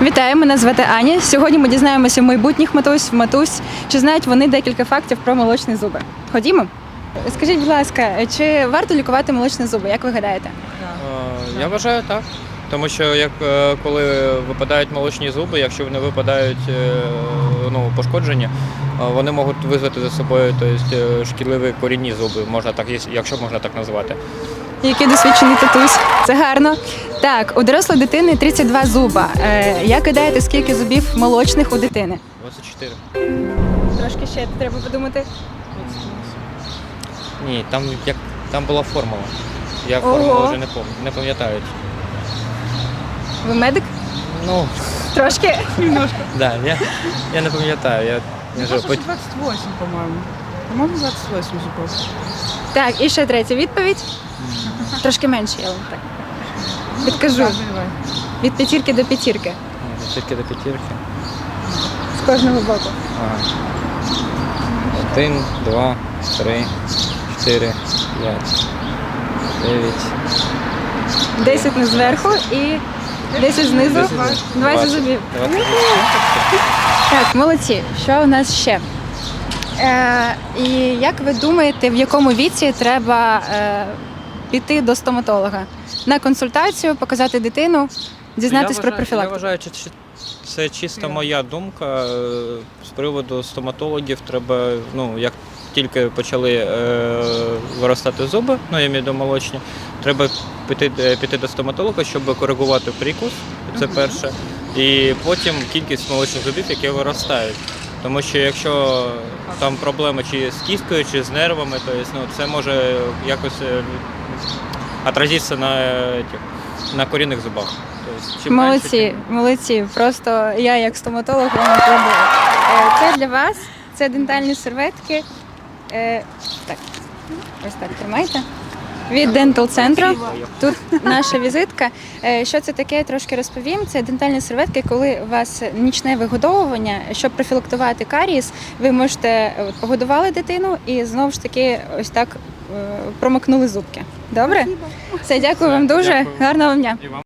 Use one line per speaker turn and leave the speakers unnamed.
Вітаю, мене звати Аня. Сьогодні ми дізнаємося в майбутніх матусь, чи знають вони декілька фактів про молочні зуби. Ходімо? Скажіть, будь ласка, чи варто лікувати молочні зуби, як ви гадаєте?
Я вважаю так. Тому що коли випадають молочні зуби, якщо вони випадають пошкоджені, вони можуть визвати за собою шкідливі корінні зуби, якщо можна так назвати.
Який досвідчений татусь. Це гарно. Так, у дорослої дитини 32 зуба. Як гадаєте, скільки зубів молочних у дитини?
24.
Трошки ще треба подумати.
Ні, там була формула. Я формулу вже не пам'ятаю.
Ви медик?
Ну,
Трошки? Немножко.
да, я не пам'ятаю.
Мне кажется, 28, по-моему. По-моему, 28 зубов.
Так, і ще третя відповідь. Трошки менше, я вам так підкажу.
Давай.
Від п'ятірки до п'ятірки.
Тільки до п'ятірки.
З кожного боку.
1, 2, 3, 4, 5, 9.
10 не зверху і 10 знизу. 20 зубів. Так, молодці. Що у нас ще? І як ви думаєте, в якому віці треба піти до стоматолога? На консультацію, показати дитину, дізнатись про
Я
профілактику?
вважаю, що це чисто моя думка. З приводу стоматологів треба, як тільки почали виростати зуби, я маю в виду молочні, треба піти до стоматолога, щоб коригувати прикус, це перше, і потім кількість молочних зубів, які виростають. Тому що якщо там проблеми чи з кісткою, чи з нервами, то це може якось отразитися на корінних зубах.
Молодці, молодці. Просто я як стоматолог вам аплодую. Це для вас, це дентальні серветки. Так, ось так тримайте. Від Dental Centro. Тут наша візитка. Що це таке, трошки розповім. Це дентальні серветки, коли у вас нічне вигодовування, щоб профілактувати карієс, ви можете погодували дитину і знову ж таки ось так промокнули зубки. Добре? Все, дякую вам дуже.
Дякую.
Гарного вам дня.